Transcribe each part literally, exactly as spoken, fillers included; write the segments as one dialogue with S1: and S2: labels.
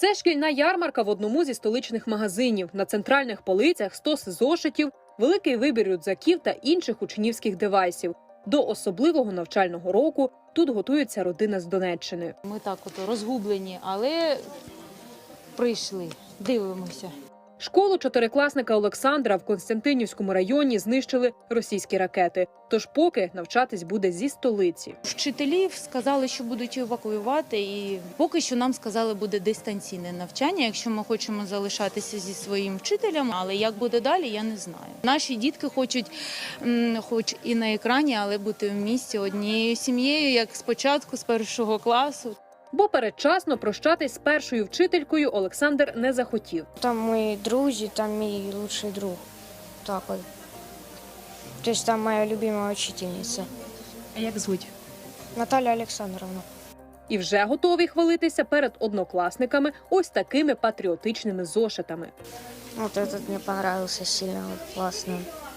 S1: Це шкільна ярмарка в одному зі столичних магазинів. На центральних полицях стоси зошитів, великий вибір рюкзаків та інших учнівських девайсів. До особливого навчального року тут готується родина з Донеччини.
S2: Ми так от розгублені, але прийшли, дивимося.
S1: Школу чотирикласника Олександра в Константинівському районі знищили російські ракети. Тож поки навчатись буде зі столиці.
S2: Вчителів сказали, що будуть евакуювати, і поки що нам сказали, буде дистанційне навчання, якщо ми хочемо залишатися зі своїм вчителем. Але як буде далі, я не знаю. Наші дітки хочуть, хоч і на екрані, але бути в місті однією сім'єю, як спочатку, з першого класу.
S1: Бо передчасно прощатись з першою вчителькою Олександр не захотів.
S3: Там мої друзі, там мій лучший друг. Так от. Тобто там моя любима вчительниця.
S2: А як звуть?
S3: Наталя Олександровна.
S1: І вже готовий хвалитися перед однокласниками ось такими патріотичними зошитами.
S3: Вот этот мне понравился сильно, вот, классно.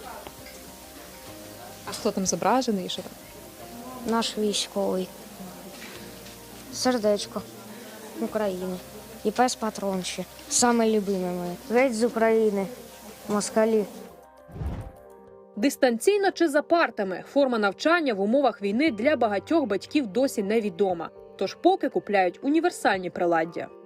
S4: А хто там зображений і що там?
S3: Наш військовий. Сердечко України. І пес патрон ще. Саме любиме моє. Геть з України. Москалі.
S1: Дистанційно чи за партами – форма навчання в умовах війни для багатьох батьків досі невідома. Тож поки купляють універсальні приладдя.